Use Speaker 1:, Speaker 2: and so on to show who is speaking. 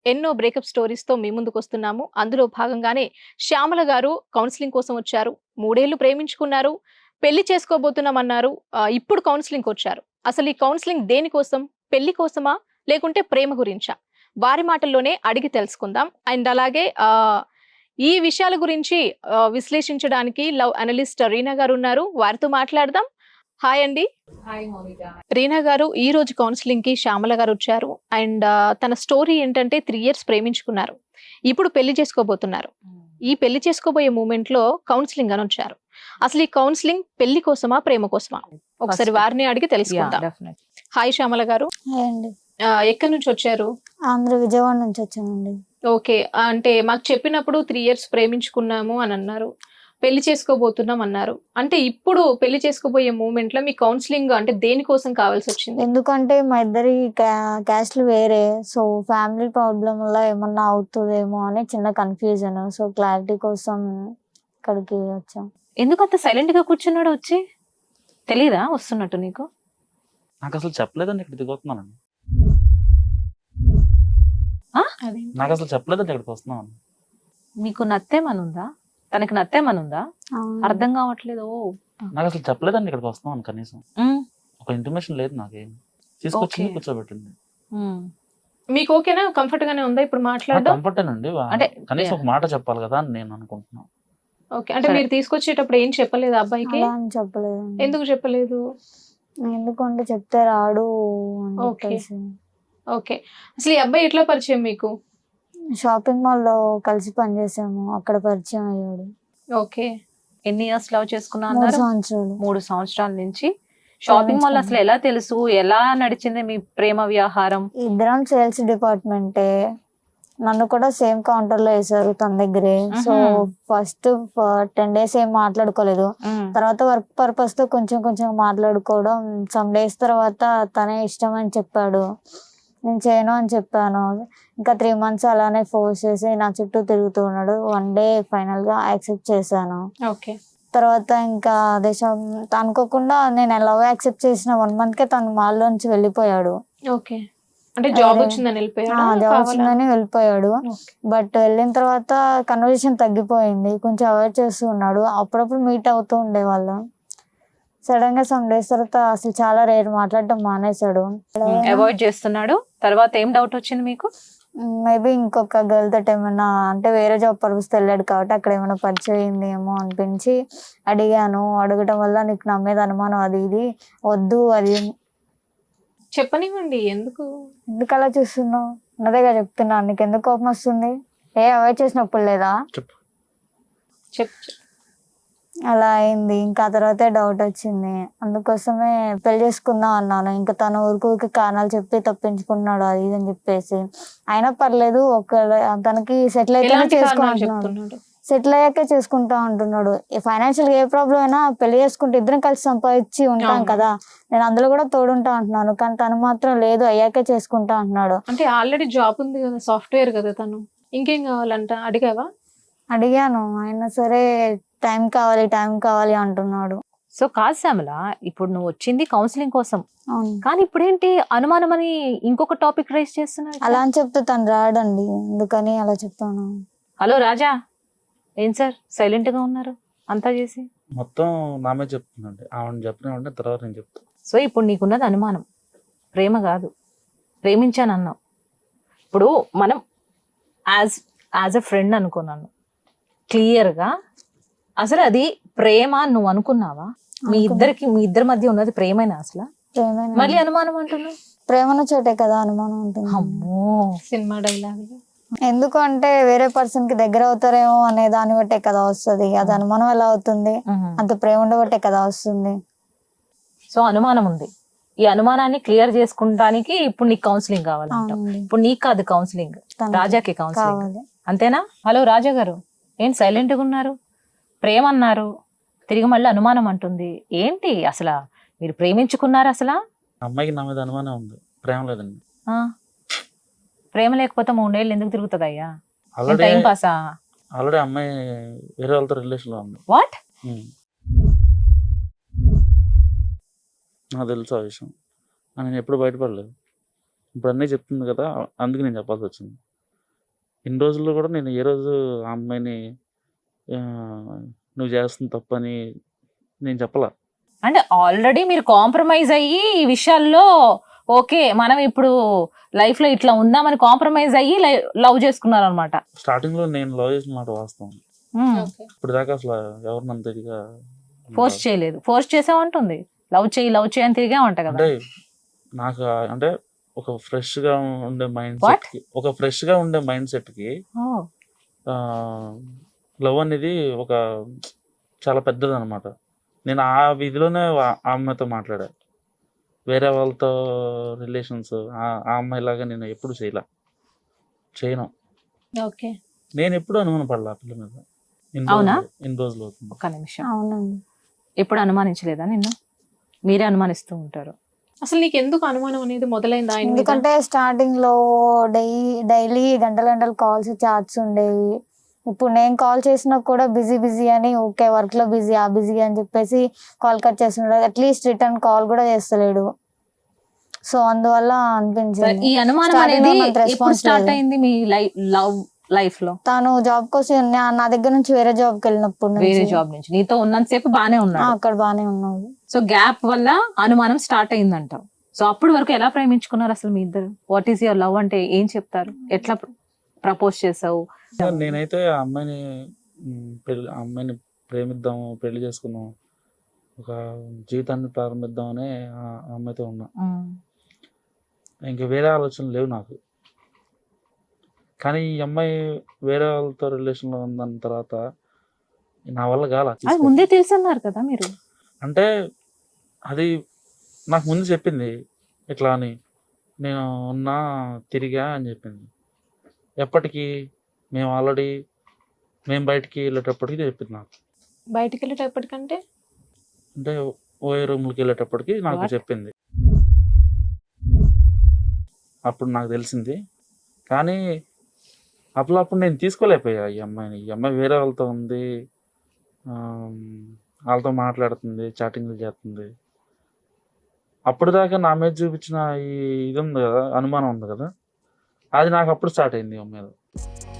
Speaker 1: ఎన్నో బ్రేకప్ స్టోరీస్‌తో మీ ముందుకొస్తున్నాము. అందులో భాగంగానే శ్యామల గారు కౌన్సెలింగ్ కోసం వచ్చారు. 3 ఏళ్లు ప్రేమించుకున్నారు. పెళ్లి చేసుకోబోతున్నామన్నారు. ఇప్పుడు కౌన్సెలింగ్‌కొచ్చారు. అసలు ఈ కౌన్సెలింగ్ దేనికోసం? పెళ్లి కోసమా? లేకుంటే ప్రేమ గురించా? వారి మాటల్లోనే అడిగి తెలుసుకుందాం. అండ్ అలాగే ఈ విషయాల గురించి విశ్లేషించడానికి లవ్ అనలిస్ట్ రీనా గారు ఉన్నారు. వారితో మాట్లాడదాం. హాయ్ అండి.
Speaker 2: హాయ్ మౌనిక.
Speaker 1: రీనా గారు ఈ రోజు కౌన్సిలింగ్ కి శ్యామల గారు వచ్చారు. అండ్ తన స్టోరీ ఏంటంటే 3 ఇయర్స్ ప్రేమించుకున్నారు. ఇప్పుడు పెళ్లి చేసుకోబోతున్నారు. ఈ పెళ్లి చేసుకోబోయే మూమెంట్ లో కౌన్సిలింగ్ అని వచ్చారు. అసలు ఈ కౌన్సిలింగ్ పెళ్లి కోసమా ప్రేమ కోసమా? ఒకసారి వారిని అడిగి తెలుసుకుందాం. హాయ్ శ్యామల గారు.
Speaker 3: హాయ్ అండి.
Speaker 1: ఎక్కడి నుంచి వచ్చారు?
Speaker 3: ఆంధ్ర విజయవాడ నుంచి వచ్చానండి.
Speaker 1: ఓకే, అంటే మాకు చెప్పినప్పుడు 3 ఇయర్స్ ప్రేమించుకున్నాము అని అన్నారు. పెళ్లి చేసుకోబోతున్నాం అన్నారు. అంటే ఇప్పుడు పెళ్లి చేసుకోబోయే మూమెంట్ లో మీ కౌన్సిలింగ్ అంటే దేనికోసం కావాల్సి వచ్చింది?
Speaker 3: ఎందుకంటే మా ఇద్దరి క్యాస్ట్లు వేరే, సో ఫ్యామిలీ ప్రాబ్లం వల్ల ఏమన్నా అవుతుందేమో అని చిన్న కన్ఫ్యూజన్. సో క్లారిటీ కోసం ఇక్కడికి వచ్చాం.
Speaker 2: ఎందుకు అంత సైలెంట్ గా కూర్చున్నాడు? వచ్చి తెలీదా వస్తున్నట్టు నీకు?
Speaker 4: నాకు అసలు చెప్పలేదండి ఇక్కడ దిగుతున్నానండి.
Speaker 1: అదే
Speaker 4: నాకు అసలు చెప్పలేదండి ఇక్కడికి వస్తున్నాను.
Speaker 2: మీకు నత్తేమనుందా? తనకి నత్తేమనుందా? అర్థం కావట్లేదు.
Speaker 4: నాకు అసలు చెప్పలేదండి ఇక్కడికి వస్తున్నాను. కనీసం
Speaker 2: ఉమ్,
Speaker 4: ఒక ఇంటిమేషన్ లేదు నాకేం. తీసుకొచ్చింది
Speaker 2: Okay.
Speaker 4: కూర్చోబెట్టింది.
Speaker 2: ఉమ్.
Speaker 1: మీకు ఓకేనా? కంఫర్ట్ గానే ఉందా ఇప్పుడు మాట్లాడడం?
Speaker 4: కంఫర్టేనండి.
Speaker 2: అంటే
Speaker 4: కనీసం ఒక మాట చెప్పాలి కదా అని నేను అనుకుంటున్నాను.
Speaker 1: ఓకే, అంటే
Speaker 2: సరే.
Speaker 1: మీరు తీసుకొచ్చేటప్పుడు ఏం చెప్పలేదు అబ్బాయికి?
Speaker 3: అలా అని చెప్పలేదు.
Speaker 1: ఎందుకు చెప్పలేదు?
Speaker 3: ఎందుకంటే చెప్తే రాడు అని
Speaker 1: Okay.
Speaker 3: చెప్పేసి.
Speaker 1: ఓకే, అసలు ఈ అబ్బాయి ఎట్లా పరిచయం మీకు?
Speaker 3: షాపింగ్ మాల్ లో కలిసి పనిచేసాము, అక్కడ పరిచయం అయ్యాడు.
Speaker 1: ఓకే,
Speaker 2: ఎన్ని ఇయర్స్ లవ్ చేసుకున్నా
Speaker 3: 3
Speaker 2: అన్నారు?
Speaker 3: సంవత్సరాలు.
Speaker 2: 3 సంవత్సరాల నుంచి. షాపింగ్ మాల్ అసలు ఎలా తెలుసు? ఎలా నడిచింది మీ ప్రేమ వ్యవహారం?
Speaker 3: ఇద్దరం సేల్స్ డిపార్ట్మెంటే. నన్ను కూడా సేమ్ కౌంటర్ లో వేసారు తన దగ్గరే. సో ఫస్ట్ 10 days ఏం మాట్లాడుకోలేదు.
Speaker 2: ఉమ్,
Speaker 3: తర్వాత వర్క్ పర్పస్ తో కొంచెం కొంచెం మాట్లాడుకోవడం. సమ్ డేస్ తర్వాత తనే ఇష్టం అని చెప్పాడు, నేను చేయను అని చెప్పాను. ఇంకా 3 months అలానే ఫోర్స్ చేసి నా చుట్టూ తిరుగుతూ ఉన్నాడు. వన్ డే ఫైనల్ గా యాక్సెప్ట్ చేశాను.
Speaker 1: ఓకే,
Speaker 3: తర్వాత ఇంకా అనుకోకుండా నేను లవ్ యాక్సెప్ట్ చేసిన 1 month కే తను మాల్లోంచి వెళ్ళిపోయాడు.
Speaker 1: ఓకే. అంటే జాబ్ వచ్చిందని వెళ్ళిపోయాడా?
Speaker 3: జాబ్ వచ్చిందని వెళ్ళిపోయాడు. బట్ వెళ్ళిన తర్వాత కన్వర్జేషన్ తగ్గిపోయింది, కొంచెం అవాయిడ్ చేస్తూ ఉన్నాడు. అప్పుడప్పుడు మీట్ అవుతూ ఉండేవాళ్ళం. సడన్ గా సమ్ డేస్ తర్వాత అసలు చాలా రేర్ మాట్లాడటం మానేశాడు.
Speaker 2: అవాయిడ్ చేస్తున్నాడు. తర్వాత ఏం డౌట్ వచ్చింది మీకు?
Speaker 3: మేబీ ఇంకొక గర్ల్ తోటి ఏమైనా, అంటే వేరే జాబ్ పర్పస్ వెళ్ళాడు కాబట్టి అక్కడ ఏమైనా పరిచయం అయింది ఏమో అనిపించి అడిగాను. అడగటం వల్ల నీకు నా మీద అనుమానం, అది ఇది వద్దు, అది
Speaker 1: చెప్పనివ్వండి. ఎందుకు?
Speaker 3: ఎందుకు అలా చూస్తున్నావు? ఉన్నదేగా చెప్తున్నాను. నీకు ఎందుకు కోపం వస్తుంది? అవాయిడ్ చేసినప్పుడు లేదా?
Speaker 4: చెప్పు.
Speaker 1: చెప్పు.
Speaker 3: అలా అయింది. ఇంకా తర్వాతే డౌట్ వచ్చింది. అందుకోసమే పెళ్లి చేసుకుందాం అన్నాను. ఇంకా తను ఊరికి కారణాలు చెప్పి తప్పించుకున్నాడు, అది ఇది అని చెప్పేసి. అయినా పర్లేదు, తనకి సెటిల్ అయితేనే
Speaker 1: ఎలాంటి కారణాలు
Speaker 3: చేసుకుంటున్నాడు.
Speaker 1: చెప్తున్నాడు?
Speaker 3: సెటిల్ అయ్యాకే చేసుకుంటా అంటున్నాడు. ఫైనాన్షియల్ ఏ ప్రాబ్లం అయినా పెళ్లి చేసుకుంటే ఇద్దరం కలిసి సంపాదించి ఉంటాం
Speaker 1: అవును.
Speaker 3: కదా, నేను అందులో కూడా తోడుంటా అంటున్నాను. కానీ తను మాత్రం లేదు, అయ్యాకే చేసుకుంటా అంటున్నాడు.
Speaker 1: అంటే ఆల్రెడీ జాబ్ ఉంది కదా, సాఫ్ట్వేర్ కదా తను. ఇంకేం కావాలంట? అడిగావా?
Speaker 3: అడిగాను, అయినా సరే టైం కావాలి అంటున్నాడు.
Speaker 2: సో కాదు శ్యామల, ఇప్పుడు నువ్వు వచ్చింది కౌన్సిలింగ్ కోసం,
Speaker 3: అవును.
Speaker 2: కానీ ఇప్పుడేంటి అనుమానం అని ఇంకొక టాపిక్ రైజ్ చేస్తున్నాడు?
Speaker 3: అలా అని చెప్తే తను రాడండి, అందుకని అలా చెప్తాను.
Speaker 2: హలో రాజా, ఏం సార్ సైలెంట్ గా ఉన్నారు అంతా చేసి?
Speaker 4: మొత్తం నా మీద చెప్తుందండి. ఆవిడ చెప్పిన తర్వాత నేను చెప్తాను.
Speaker 2: సో ఇప్పుడు నీకున్నది అనుమానం, ప్రేమ కాదు. ప్రేమించానన్నావు. ఇప్పుడు మనం యాజ్ ఎ ఫ్రెండ్ అనుకున్నాను క్లియర్గా. అసలు అది ప్రేమ నువ్వు అనుకున్నావా? మీ ఇద్దరి మధ్య ఉన్నది ప్రేమేనా అసలు?
Speaker 3: ప్రేమేనా?
Speaker 2: మళ్ళీ అనుమానం అంటున్నావు.
Speaker 3: ప్రేమను చోటే కదా అనుమానం ఉంటుంది.
Speaker 2: అమ్మో,
Speaker 1: సినిమా డైలాగ్.
Speaker 3: ఎందుకు అంటే వేరే పర్సన్ కి దగ్గర అవుతారేమో అనే దాన్ని బట్టే కదా వస్తుంది. అది అనుమానం ఎలా అవుతుంది? అంత ప్రేమ ఉండబట్టే కదా వస్తుంది.
Speaker 2: సో అనుమానం ఉంది. ఈ అనుమానాన్ని క్లియర్ చేసుకుంటానికి ఇప్పుడు నీకు కౌన్సిలింగ్ కావాలంటావు.
Speaker 3: అవునండి.
Speaker 2: ఇప్పుడు నీకు కాదు కౌన్సిలింగ్,
Speaker 3: తనకి
Speaker 2: రాజాకి కౌన్సిలింగ్.
Speaker 3: కావాలి.
Speaker 2: అంతేనా? హలో రాజా గారు, ఏంటి సైలెంట్ గా ఉన్నారు? ప్రేమ అన్నారు, తిరిగి మళ్ళీ అనుమానం అంటుంది. ఏంటి అసలు? మీరు ప్రేమించుకున్నారు అసలు?
Speaker 4: అమ్మాయికి నా మీద అనుమానం ఉంది, ప్రేమ లేదండి.
Speaker 2: ప్రేమ లేకపోతే 3 ఏళ్ళు ఎందుకు తిరుగుతుంది అయ్యా?
Speaker 4: Already
Speaker 2: time పాసా?
Speaker 4: ఆల్రెడీ అమ్మాయి వేరే వాళ్ళతో రిలేషన్ లో ఉంది.
Speaker 2: వాట్?
Speaker 4: నాకు తెలుసు ఆ విషయం. నేను ఎప్పుడు బయటపడలేదు. ఇప్పుడు అన్నీ చెప్తుంది కదా, అందుకు నేను చెప్పాల్సి వచ్చింది. ఇన్ని రోజుల్లో కూడా నేను ఏ రోజు ఆ అమ్మాయిని ఆ, నువ్వు చేస్తుంది తప్పని నేను చెప్పలా.
Speaker 2: అంటే ఆల్రెడీ మీరు కాంప్రమైజ్ అయ్యి ఈ విషయాల్లో ఓకే మనం ఇప్పుడు లైఫ్ లో ఇట్లా ఉందామని కాంప్రమైజ్ అయ్యి లవ్ చేసుకున్నారు అనమాట.
Speaker 4: స్టార్టింగ్ లో నేను లవ్ చేసిన మాట వాస్తవం. ఇప్పుడు దాకా అసలు ఎవరు నన్ను తిరిగా
Speaker 2: ఫోర్స్ చేయలేదు. ఫోర్స్ చేసామంటుంది లవ్ చేయి అని తిరిగా ఉంటా కదా.
Speaker 4: అంటే నాకు అంటే ఒక ఫ్రెష్ గా ఉండే మైండ్
Speaker 2: What?
Speaker 4: సెట్ కి
Speaker 2: Oh.
Speaker 4: లవ్ అనేది ఒక చాలా పెద్దది అనమాట. నేను ఆ విధిలోనే ఆ అమ్మాయితో మాట్లాడా. వేరే వాళ్ళతో రిలేషన్స్ ఆ అమ్మాయి లాగా నేను ఎప్పుడు చేయను.
Speaker 1: ఓకే.
Speaker 4: నేను ఎప్పుడు అనుమాన పడలా ఆ పిల్ల మీద.
Speaker 2: అవునా?
Speaker 4: ఇన్ని రోజులు అవుతుంది.
Speaker 2: ఒక్క నిమిషం,
Speaker 3: అవునండి.
Speaker 2: ఎప్పుడు అనుమానించలేదా నిన్ను? మీరే అనుమానిస్తూ ఉంటారు.
Speaker 1: అసలు నీకు ఎందుకు అనుమానం అనేది మొదలైంది ఆయన మీద?
Speaker 3: ఎందుకంటే స్టార్టింగ్ లో డైలీ గంటల గంటలు కాల్స్ చాట్స్ ఉండేవి. ఇప్పుడు నేను కాల్ చేసినా కూడా బిజీ అని ఓకే వర్క్ లో బిజీ అని చెప్పేసి కాల్ కట్ చేస్తున్నాడు. అట్లీస్ట్ రిటర్న్ కాల్ కూడా చేస్తలేడు. సో అందువల్ల అనిపించింది.
Speaker 2: ఈ అనుమానం
Speaker 3: Starting లో
Speaker 2: అనేది
Speaker 3: మనకు
Speaker 2: ఎప్పుడు
Speaker 3: response
Speaker 2: స్టార్ట్
Speaker 3: లేదు.
Speaker 2: అయింది మీ లవ్ లైఫ్ లో?
Speaker 3: తాను జాబ్ కోసం నా దగ్గర నుంచి వేరే జాబ్ కి వెళ్ళినప్పుడు
Speaker 2: వేరే
Speaker 3: నుంచి
Speaker 2: జాబ్ నుంచి నీతో ఉన్నంతసేపు బానే ఉన్నాడు.
Speaker 3: అక్కడ బానే ఉన్నాడు.
Speaker 2: సో గ్యాప్ వల్ల అనుమానం స్టార్ట్ అయిందంటావు. సో అప్పటి వరకు ఎలా ప్రేమించుకున్నారు అసలు మీ ఇద్దరు? వాట్ ఈస్ యువర్ లవ్ అంటే ఏం చెప్తారు? ఎట్లా ప్రపోజ్ చేసావు?
Speaker 4: నేనైతే ఆ అమ్మాయిని ప్రేమిద్దాము, పెళ్లి చేసుకుందాం, ఒక జీవితాన్ని ప్రారంభిద్దామని ఆ అమ్మాయితో ఉన్నా. ఇంకా వేరే ఆలోచనలు లేవు నాకు. కానీ ఈ అమ్మాయి వేరే వాళ్ళతో రిలేషన్లో ఉందన్న తర్వాత నా వల్ల
Speaker 2: అది ముందే తెలుసు అన్నారు కదా మీరు.
Speaker 4: అంటే అది నాకు ముందు చెప్పింది ఇట్లా అని, నేను ఉన్నా తిరిగా అని చెప్పింది. ఎప్పటికీ మేము బయటికి వెళ్ళేటప్పటికి చెప్పింది నాకు.
Speaker 1: బయటికి వెళ్ళేటప్పటికంటే
Speaker 4: అంటే ఓయే రూమ్లకి వెళ్ళేటప్పటికి నాకు
Speaker 2: What?
Speaker 4: చెప్పింది. అప్పుడు నాకు తెలిసింది. కానీ అప్పుడు నేను తీసుకోలేకపోయా ఈ అమ్మాయి వేరే వాళ్ళతో ఉంది, వాళ్ళతో మాట్లాడుతుంది, చాటింగ్లు చేస్తుంది. అప్పుడు దాకా నా మీద చూపించిన ఈ ఇది ఉంది కదా, అనుమానం ఉంది కదా, అది నాకు అప్పుడు స్టార్ట్ అయింది ఈ అమ్మాయి మీద.